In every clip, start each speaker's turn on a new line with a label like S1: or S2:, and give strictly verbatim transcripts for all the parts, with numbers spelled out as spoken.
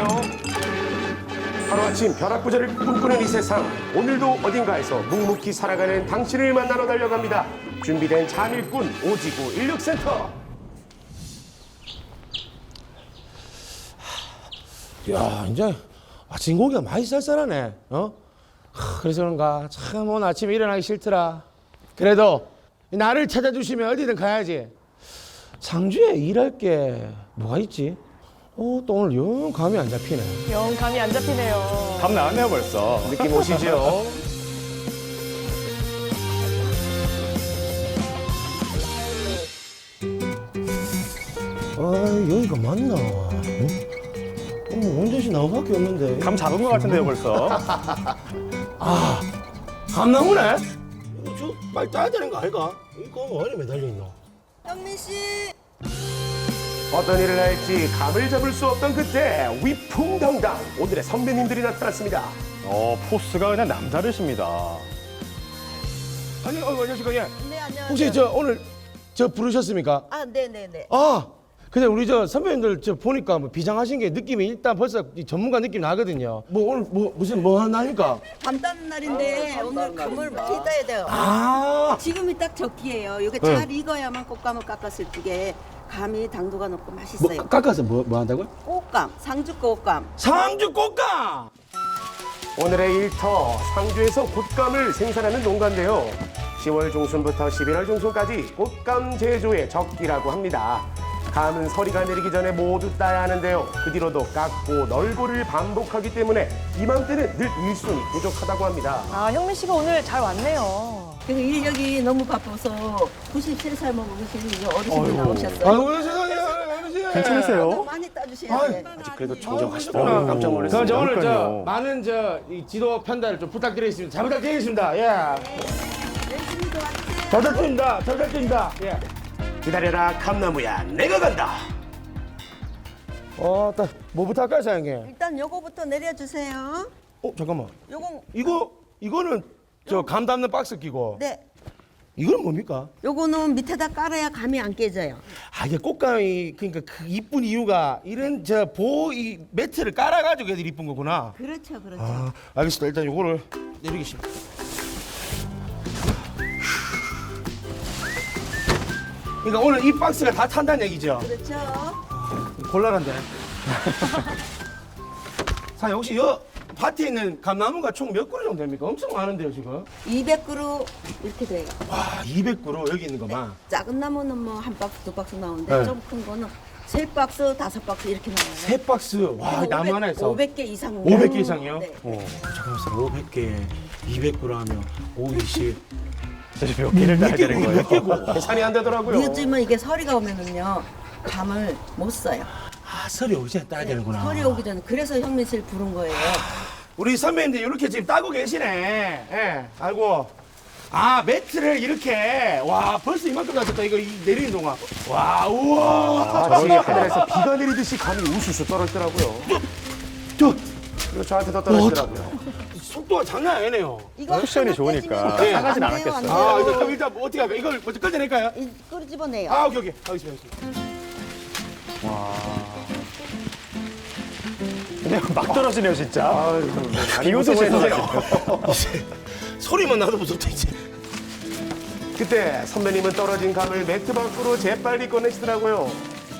S1: 안녕하세요. 하루아침 벼락부자를 꿈꾸는 이 세상. 오늘도 어딘가에서 묵묵히 살아가는 당신을 만나러 달려갑니다. 준비된 잠일꾼 오지구 인력센터.
S2: 야, 이제 아침 고기가 많이 쌀쌀하네. 어? 하, 그래서 그런가 참 오늘 아침에 일어나기 싫더라. 그래도 나를 찾아주시면 어디든 가야지. 상주에 일할 게 뭐가 있지? 어, 또 오늘 영 감이 안 잡히네.
S3: 영 감이 안 잡히네요.
S4: 감 나왔네요 벌써.
S1: 느낌 오시죠?
S2: 아, 여기가 맞나? 응? 어, 원전시 나무밖에 없는데.
S4: 감 잡은 것 같은데요 벌써.
S2: 아, 감나무네? 이거 저 빨리 따야 되는 거 아이가? 이거 어디 매달려 있노?
S5: 현민 씨.
S1: 어떤 일을 할지 감을 잡을 수 없던 그때 위풍당당 오늘의 선배님들이 나타났습니다.
S4: 어 포스가 그냥 남다르십니다.
S2: 아니, 어, 안녕하십니까? 예.
S5: 네, 안녕하세요.
S2: 혹시 저 오늘 저 부르셨습니까?
S5: 아, 네, 네, 네.
S2: 아, 근데 우리 저 선배님들 저 보니까 뭐 비장하신 게 느낌이 일단 벌써 이 전문가 느낌 나거든요. 뭐 오늘 뭐 무슨 뭐 하나니까?
S5: 밤 따는 날인데 오늘 감을 많이 따야 돼요.
S2: 아,
S5: 지금이 딱 적기예요. 이게
S2: 네.
S5: 잘 익어야만 꽃감을 깎았을 적에 감이 당도가 높고
S2: 뭐
S5: 맛있어요.
S2: 깎아서 뭐 뭐 한다고요?
S5: 꽃감, 상주 꽃감.
S2: 상주 꽃감.
S1: 오늘의 일터 상주에서 곶감을 생산하는 농가인데요. 시월 중순부터 십일월 중순까지 곶감 제조의 적기라고 합니다. 감은 서리가 내리기 전에 모두 따야 하는데요. 그 뒤로도 깎고 널고를 반복하기 때문에 이맘때는 늘 일손이 부족하다고 합니다.
S3: 아, 형민 씨가 오늘 잘 왔네요.
S5: 그 인력이 너무 바빠서 구십세 살 먹으신 이제 어르신이 나오셨어요.
S2: 아유 세상에, 아버지.
S4: 괜찮으세요?
S5: 많이 따주셔야 돼.
S1: 아직 그래도 정정하시더라고요. 깜짝
S2: 그럼
S1: 놀랐습니다.
S2: 저 오늘 저
S4: 그러니까요.
S2: 많은 저 이 지도 편달을 좀 부탁드리겠습니다. 잘 부탁드리겠습니다. 예.
S5: 열심히 도와주세요.
S2: 잘 부탁드립니다. 잘 부탁드립니다. 예.
S1: 기다려라 감나무야 내가 간다.
S2: 어, 딱 뭐부터 할까요, 사장님?
S5: 일단 요거부터 내려주세요.
S2: 어, 잠깐만.
S5: 요건
S2: 이거 이거는 저 감 담는 박스 끼고.
S5: 네.
S2: 이건 뭡니까?
S5: 요거는 밑에다 깔아야 감이 안 깨져요.
S2: 아, 이게 꽃감이 그러니까 그 이쁜 이유가 이런 저 보 이 매트를 깔아가지고 애들이 이쁜 거구나.
S5: 그렇죠, 그렇죠.
S2: 아, 알겠습니다. 일단 요거를 내리겠습니다. 그러니까 오늘 이 박스가 다 탄다는 얘기죠?
S5: 그렇죠.
S2: 곤란한데. 사장님 혹시 여 밭에 있는 감나무가 총 몇 그루 정도 됩니까? 엄청 많은데요 지금.
S5: 이백 그루 이렇게 돼요.
S2: 와, 이백 그루 여기 있는 것만.
S5: 작은 나무는 뭐 한 박스, 두 박스 나오는데
S2: 네.
S5: 좀 큰 거는 세 박스, 다섯 박스 이렇게 나와요.
S2: 세 박스. 와, 나무 하나에서
S5: 오백 개 이상.
S2: 오백 개 이상이요?
S5: 네.
S2: 어, 잠깐만, 오백 개, 이백 그루 하면 오, 이십.
S4: 몇 개를 따야 되는 거예요?
S2: 몇 개고?
S1: 계산이 안 되더라고요.
S5: 요즘은 이게 설이가 오면은요 감을 못 써요.
S2: 아, 설이 오기 전에 따야 되는구나.
S5: 설이 오기 전에 그래서 현민 씨를 부른 거예요.
S2: 우리 선배님들 이렇게 지금 따고 계시네. 예, 알고. 아, 매트를 이렇게. 와, 벌써 이만큼 나왔다. 이거 이 내리는 동안. 와, 우와.
S1: 마치 하늘에서 비가 내리듯이 감이 우수수 떨어지더라고요.
S2: 저,
S1: 그리고 저한테도 떨어지더라고요.
S2: 속도가 장난 아니네요.
S5: 이거
S4: 쿠션이
S5: 하나
S4: 좋으니까
S5: 떼지면
S4: 상하진
S5: 안 돼요,
S4: 않았겠어요.
S5: 안 돼요.
S2: 아, 이거 그럼 일단 뭐 어떻게 할까요? 이걸 먼저 꺼내낼까요?
S5: 이 끓 집어내요.
S2: 아, 오케이, 오케이. 알겠습니다. 알겠습니다.
S4: 그냥 막 떨어지네요 진짜.
S1: 아유,
S4: 비 오듯이
S1: 무서워요.
S2: 이제 소리만 나도 무섭다, 이제.
S1: 그때 선배님은 떨어진 감을 매트 밖으로 재빨리 꺼내시더라고요.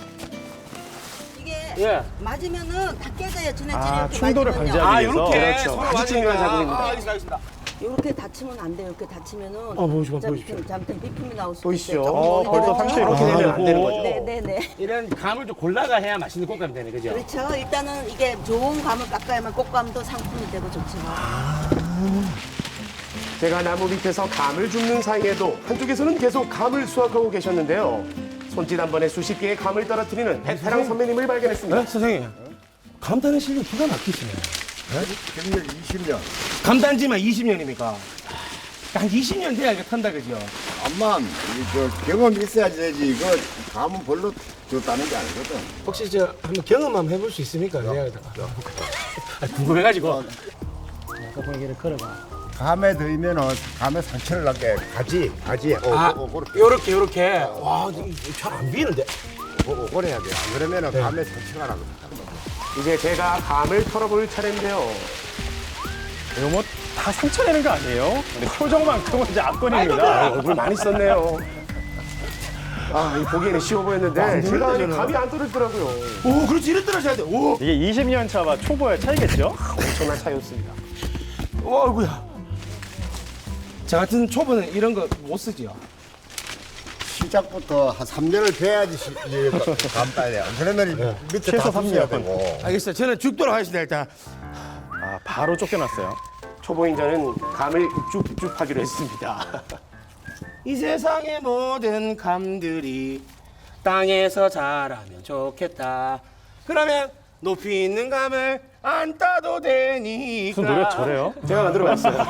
S5: 이게
S2: 예.
S5: 맞으면은 다 깨져요. 지네지네
S4: 아,
S5: 이렇게
S4: 충돌을
S5: 맞으면요.
S4: 방지하기
S2: 아,
S4: 위해서.
S2: 요렇게.
S1: 그렇죠.
S2: 서로
S1: 아주
S2: 맞으니까.
S1: 중요한 작업입니다.
S2: 아, 알겠습니다, 알겠습니다.
S5: 이렇게 다치면 안 돼요. 이렇게 다치면은
S2: 아, 보여주십시오,
S5: 진짜
S2: 보여주십시오.
S5: 밑에 잘못하면 비품이 나올 수
S1: 보이시죠?
S5: 있어요.
S4: 어, 벌써 상처 이렇게
S2: 아,
S4: 되면
S1: 안 되는 거죠.
S5: 네네네.
S2: 이런 감을 좀 골라가 해야 맛있는 꽃감이 되네, 그죠?
S5: 그렇죠. 일단은 이게 좋은 감을 깎아야만 꽃감도 상품이 되고 좋죠.
S1: 제가 나무 밑에서 감을 줍는 사이에도 한쪽에서는 계속 감을 수확하고 계셨는데요. 손짓 한 번에 수십 개의 감을 떨어뜨리는 베테랑 선배님을 발견했습니다.
S2: 네, 선생님. 감탄의 실력 기가 막히시네.
S6: 경력 이십 년.
S2: 감탄지만 이십 년입니까? 한 이십 년 돼야 이거 탄다, 그죠?
S6: 암만 이저 경험이 있어야지 되지. 이거 감은 별로 좋다는 게 아니거든.
S2: 혹시 저 한번 경험 한번 해볼 수 있습니까? 내가 아, 궁금해가지고. 아까 보기를 걸어봐.
S6: 감에 들면은 감에 상처를 나게 가지 가지. 어,
S2: 아,
S6: 어, 어, 그렇게
S2: 요렇게, 요렇게. 와, 잘 안 비는데?
S6: 어, 어, 그래야 돼. 안 그러면은 감에 상처가 나거든.
S1: 이제 제가 감을 털어볼 차례인데요.
S4: 이거 뭐 다 상처 내는 거 아니에요? 근데 표정만큼은 이제
S1: 아,
S4: 압권입니다.
S1: 얼굴 많이 썼네요. 아, 이 보기에는 쉬워 보였는데
S2: 안
S1: 제가 이
S2: 되는데,
S1: 감이 안 떨어지더라고요.
S2: 오, 그렇지 이래 떨어져야 돼. 오,
S4: 이게 이십 년 차와 초보의 차이겠죠?
S1: 엄청난 차이였습니다.
S2: 오, 아이고야. 저 같은 초보는 이런 거 못 쓰지요.
S6: 시작부터 한 삼 년을 배야지 시- 이게 감 따야 돼요. 그러면 밑에
S4: 최소
S6: 다
S4: 삼
S6: 붙여야
S4: 년.
S6: 되고.
S2: 알겠어요. 저는 죽도록 하겠습니다 일단.
S4: 아, 바로 쫓겨났어요.
S1: 초보인 저는 감을 줍줍하기로 했습니다.
S2: 이 세상의 모든 감들이 땅에서 자라면 좋겠다. 그러면 높이 있는 감을 안 따도 되니까.
S4: 무슨 노래 저래요?
S1: 제가 만들어봤어요.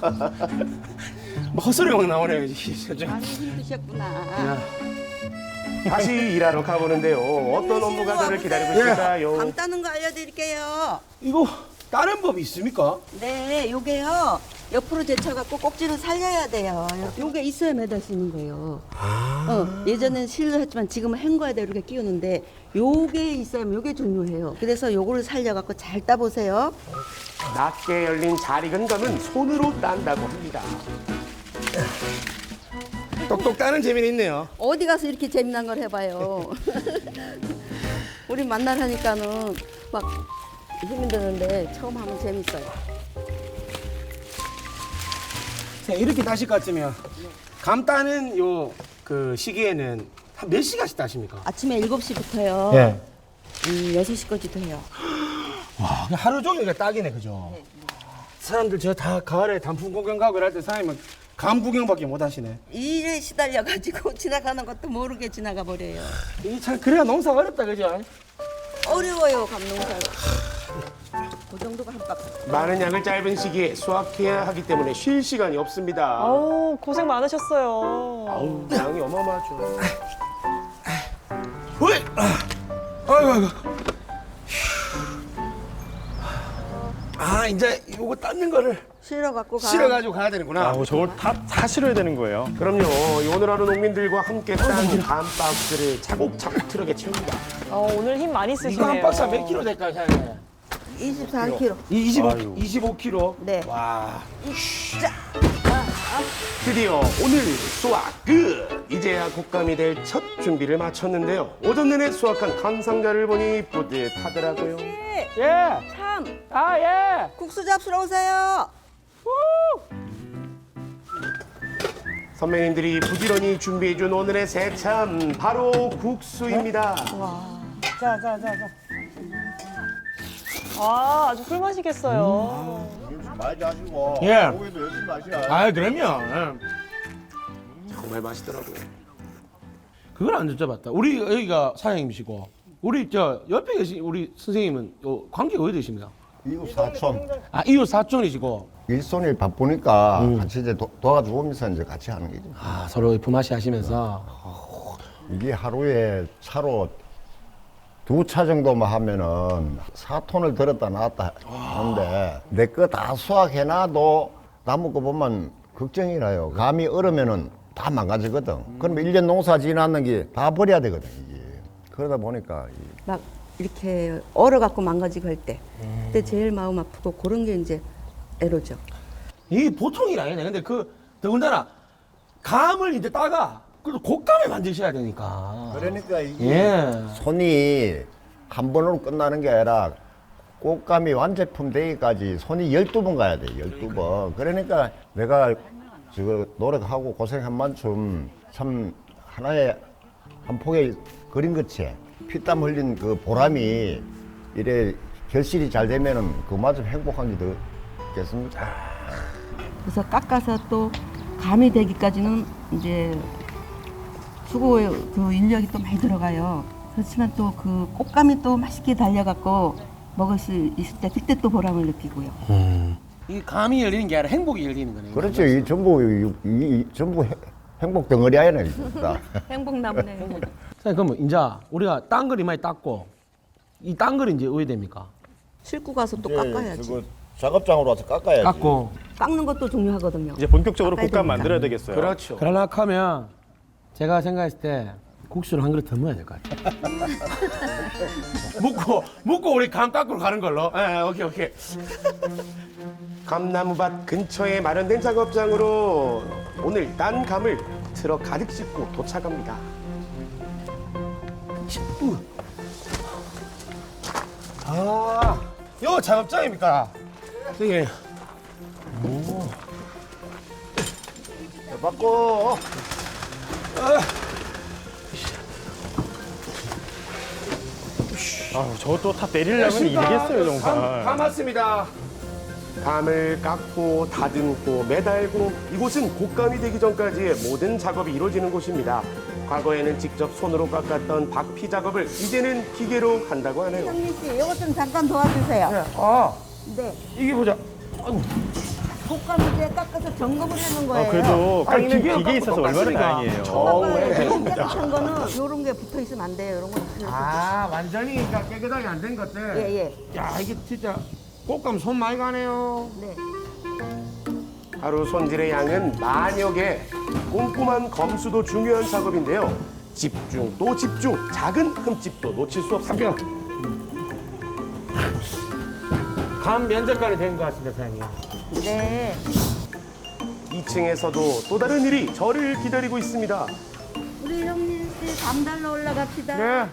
S2: 뭐 헛소리 막 나오네요. 이제.
S5: 많이 힘드셨구나.
S1: 다시 일하러 가보는데요. 어떤 업무가 저를 기다리고 있을까요?
S5: 감 따는 거 알려드릴게요.
S2: 이거 다른 법이 있습니까?
S5: 네, 요게요. 옆으로 제쳐갖고 꼭지를 살려야 돼요. 요게 있어야 매달 수 있는 거예요. 어, 예전엔 실로 했지만 지금은 헹궈야 이렇게 끼우는데 요게 있어야면 요게 중요해요. 그래서 요거를 살려갖고 잘 따보세요.
S1: 낮게 열린 잘 익은 감은 손으로 딴다고 합니다.
S2: 똑똑 따는 재미는 있네요.
S5: 어디 가서 이렇게 재미난 걸 해봐요. 우리 만나라니까는 막 힘이 드는데 처음 하면 재밌어요.
S2: 자, 이렇게 따실 것 같으면 감 따는 요 그 시기에는 한 몇 시간씩 따십니까?
S5: 아침에 일곱 시부터요.
S2: 예.
S5: 음, 여섯 시까지도 해요.
S2: 와, 하루 종일 이거 딱이네, 그죠? 사람들 저 다 가을에 단풍 구경 가고 이럴 때 사장님은 감 구경밖에 못 하시네.
S5: 일에 시달려가지고 지나가는 것도 모르게 지나가 버려요.
S2: 이게 참 그래야 농사가 어렵다, 그죠?
S5: 어려워요, 감농사가. 그 정도가 한값.
S1: 많은 양을 짧은 시기에 수확해야 하기 때문에 쉴 시간이 없습니다.
S3: 아우, 고생 많으셨어요.
S1: 아우, 양이 어마어마하죠.
S2: 어이! 아이고, 아이고. 아, 이제 요거 닦는 거를
S5: 실어갖고 가.
S2: 실어가지고 가야 되는구나.
S4: 아, 저걸 다, 다 실어야 되는 거예요.
S1: 그럼요. 오늘 하루 농민들과 함께 딴 감 박스를 차곡차곡 트럭에 채웁니다.
S3: 어, 오늘 힘 많이 쓰시네요.
S2: 이거 한 박스 몇 킬로 될까요, 사장님?
S5: 이십사 킬로그램.
S2: 이 이십오,
S4: 아유.
S2: 이십오 킬로?
S5: 네.
S2: 와.
S1: 드디어 오늘 수확 끝! 이제야 곶감이 될 첫 준비를 마쳤는데요. 오전 내내 수확한 감 상자를 보니 뿌듯하더라고요.
S2: 예!
S5: 참,
S2: 아, 예!
S5: 국수 잡수러 오세요.
S1: 선배님들이 부지런히 준비해준 오늘의 새참 바로 국수입니다.
S3: 자, 자, 자, 자. 아, 아주 꿀맛이겠어요.
S6: 많이 하시고.
S2: 예.
S6: 고기도 열심히 하시라.
S2: 아, 그럼요. 예.
S1: 정말 맛있더라고요.
S2: 그걸 안 여쭤봤다. 우리 여기가 사장님이시고, 우리 저 옆에 계신 우리 선생님은 요 관계가 어디 되십니까?
S6: 이웃 사촌.
S2: 아, 이웃 사촌이시고,
S6: 일손이 바쁘니까 같이 이제 도, 도와주고 오면서 이제 같이 하는 거죠.
S2: 아, 서로 품앗이 하시면서.
S6: 이게 하루에 차로 두 차 정도만 하면은 사 톤을 들었다 놨다 하는데 내 거 다 수확해놔도 남은 거 보면 걱정이라요. 감이 얼으면은 다 망가지거든. 그러면 일 년 농사 지났는 게 다 버려야 되거든, 이게. 그러다 보니까 이
S5: 막 이렇게 얼어갖고 망가지고 할 때. 그때 제일 마음 아프고 그런 게 이제 애로죠.
S2: 이게 보통 일 아니네. 근데 그, 더군다나, 감을 이제 따가, 그래도 곶감을 만드셔야 되니까.
S6: 그러니까 이게
S2: 예.
S6: 손이 한 번으로 끝나는 게 아니라 꽃감이 완제품 되기까지 손이 열두 번 가야 돼, 열두 번. 그러니까 내가 저거 노력하고 고생한 만큼 참 하나의 한 폭의 그림 같이 피땀 흘린 그 보람이 이래 결실이 잘 되면은 그마저 행복한 게 더 있겠습니까?
S5: 그래서 깎아서 또 감이 되기까지는 이제 수고의 그 인력이 또 많이 들어가요. 그렇지만 또 그 꽃감이 또 맛있게 달려갖고 먹을 수 있을 때 그때 또 보람을 느끼고요.
S2: 이 감이 열리는 게 아니라 행복이 열리는 거네.
S6: 그렇죠. 이 전부 이, 이, 이 전부 해- 행복 덩어리 아니네, 진짜.
S5: 행복나무네.
S2: 선생님, 그러면 이제 우리가 딴 걸 이마에 땄고, 이 딴 걸 이제 어디 됩니까?
S5: 싣고 가서 또 깎아야지.
S6: 작업장으로 와서 깎아야지.
S2: 깎고.
S5: 깎는 것도 중요하거든요.
S4: 이제 본격적으로
S5: 깎아야
S4: 곶감
S5: 됩니다.
S4: 만들어야 되겠어요.
S1: 그렇죠.
S2: 그러려고 하면 제가 생각했을 때 국수를 한 그릇 더 먹어야 될 것 같아. 묵고 묵고 우리 감 깎으러 가는 걸로. 예, 오케이 오케이.
S1: 감나무밭 근처에 마련된 작업장으로 오늘 딴 감을 트럭 가득 싣고 도착합니다.
S2: 아, 요 작업장입니까? 선생님.
S6: 받고
S4: 아, 저것도 다 내리려면 일이겠어요,
S2: 감,
S4: 정말.
S2: 감 왔습니다.
S1: 감을 깎고 다듬고 매달고 이곳은 곶감이 되기 전까지의 모든 작업이 이루어지는 곳입니다. 과거에는 직접 손으로 깎았던 박피 작업을 이제는 기계로 한다고 하네요.
S5: 형님 씨, 이것 좀 잠깐 도와주세요.
S2: 아,
S5: 네.
S2: 이게 보자.
S5: 곶감 이제 깎아서 점검을 하는 거예요.
S4: 아, 그래도
S2: 아니,
S4: 깎는
S2: 기계로
S4: 기계 있어서
S2: 깎고
S4: 얼마나
S2: 깎으니까.
S4: 다행이에요.
S1: 정말
S5: 깨끗한 거는 이런 게 붙어 있으면 안 돼요. 이런 거 다.
S2: 아, 완전히 그러니까 깨끗하게 안 된 것들.
S5: 예, 예.
S2: 야, 이게 진짜 곶감 손 많이 가네요.
S5: 네.
S1: 하루 손질의 양은 만여 개. 꼼꼼한 검수도 중요한 작업인데요. 집중 또 집중, 작은 흠집도 놓칠 수 없습니다.
S2: 감 면접관이 된 것 같습니다, 사장님.
S5: 네.
S1: 이 층에서도 또 다른 일이 저를 기다리고 있습니다.
S5: 우리 형님 씨, 감 달러 올라갑시다.
S2: 네.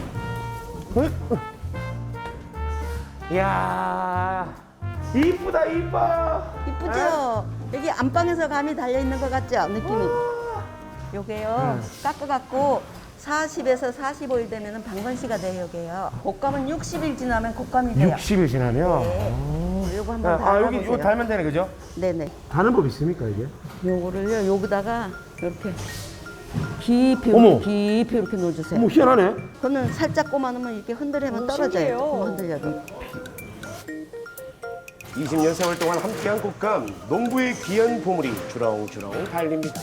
S2: 이야, 이쁘다, 이뻐.
S5: 이쁘죠? 여기 안방에서 감이 달려 있는 것 같죠? 느낌이. 요게요. 깎아갖고 사십에서 사십오 일 되면은 방건씨가 돼요, 요게요. 곶감은 육십 일 지나면 곶감이 돼요.
S2: 육십 일 지나면.
S5: 네. 요거 한번
S2: 아, 아, 여기
S5: 달아보세요.
S2: 이거 달면 되네, 그죠?
S5: 네네.
S2: 다는 법 있습니까, 이게?
S5: 요거를요, 여기다가 이렇게 깊이,
S2: 어머.
S5: 이렇게 깊이 이렇게 넣어주세요.
S2: 뭐 희한하네.
S5: 그거는 살짝 꼽아놓으면 이렇게 흔들면
S3: 오,
S5: 떨어져요.
S3: 신기해요.
S5: 조금 흔들려도.
S1: 이십 년 세월 동안 함께한 곶감, 농부의 귀한 보물이 주렁주렁 달립니다.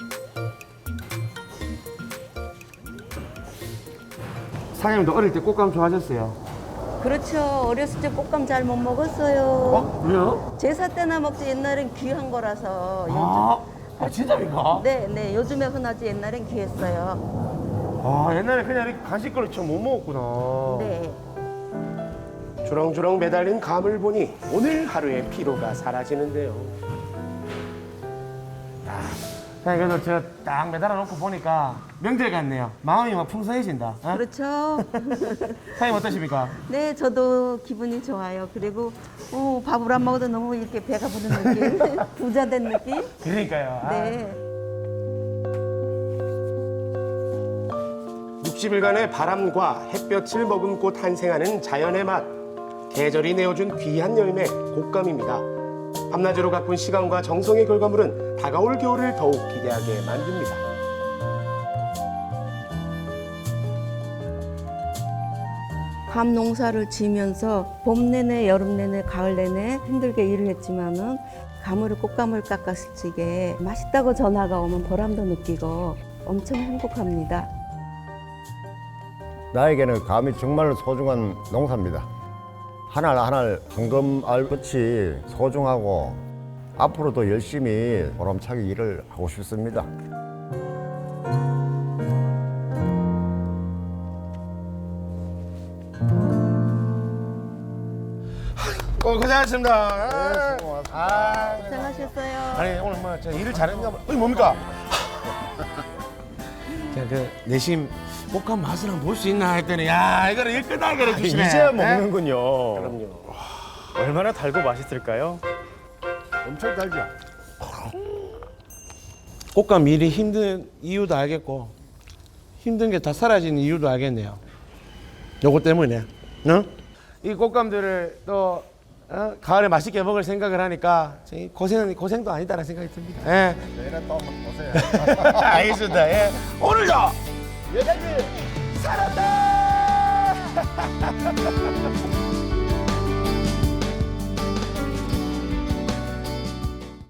S2: 사장님도 어릴 때 곶감 좋아하셨어요?
S5: 그렇죠. 어렸을 때 곶감 잘 못 먹었어요.
S2: 어? 왜요?
S5: 제사 때나 먹지 옛날엔 귀한 거라서.
S2: 아, 아 진짜입니까?
S5: 네, 네. 요즘에 흔하지 옛날엔 귀했어요.
S2: 아, 옛날에 그냥 이렇게 간식거리 처럼 못 먹었구나.
S5: 네.
S1: 주렁주렁 매달린 감을 보니 오늘 하루의 피로가 사라지는데요.
S2: 사장님, 그래도 저 딱 매달아 놓고 보니까 명절 같네요. 마음이 막 풍성해진다. 어?
S5: 그렇죠.
S2: 사장님 어떠십니까?
S5: 네, 저도 기분이 좋아요. 그리고 어, 밥을 안 먹어도 너무 이렇게 배가 부른 느낌, 부자 된 느낌.
S2: 그러니까요. 아.
S5: 네.
S1: 육십 일간의 바람과 햇볕을 머금고 탄생하는 자연의 맛. 계절이 내어준 귀한 열매, 곶감입니다. 밤낮으로 가꾼 시간과 정성의 결과물은 다가올 겨울을 더욱 기대하게 만듭니다.
S5: 감 농사를 지으면서 봄 내내, 여름 내내, 가을 내내 힘들게 일을 했지만은 감으로 곶감을 깎았을 적에 맛있다고 전화가 오면 보람도 느끼고 엄청 행복합니다.
S6: 나에게는 감이 정말 소중한 농사입니다. 하나 하나 황금알같이 소중하고 앞으로도 열심히 보람차게 일을 하고 싶습니다.
S2: 어, 고생하셨습니다.
S6: 네, 수고 많았습니다.
S2: 아,
S5: 고생하셨어요.
S2: 아니 오늘 뭐 저 일을 잘했나 봐. 어이 뭡니까? 제가 그 내심 곶감 맛을 한번 볼 수 있나 했더니 야 이거를 일 끝나게 해주시네.
S4: 이제야
S2: 네?
S4: 먹는군요.
S1: 그럼요.
S4: 얼마나 달고 맛있을까요?
S6: 엄청 달죠?
S2: 곶감 일이 힘든 이유도 알겠고 힘든 게 다 사라지는 이유도 알겠네요. 요거 때문에. 응? 이 곶감들을 또 어? 가을에 맛있게 먹을 생각을 하니까 저희 고생은 고생도 아니다라는 생각이 듭니다. 예.
S6: 내일은 또 한번 보세요.
S2: 알겠습니다. 예. 오늘도
S6: 여자지!
S2: 살았다.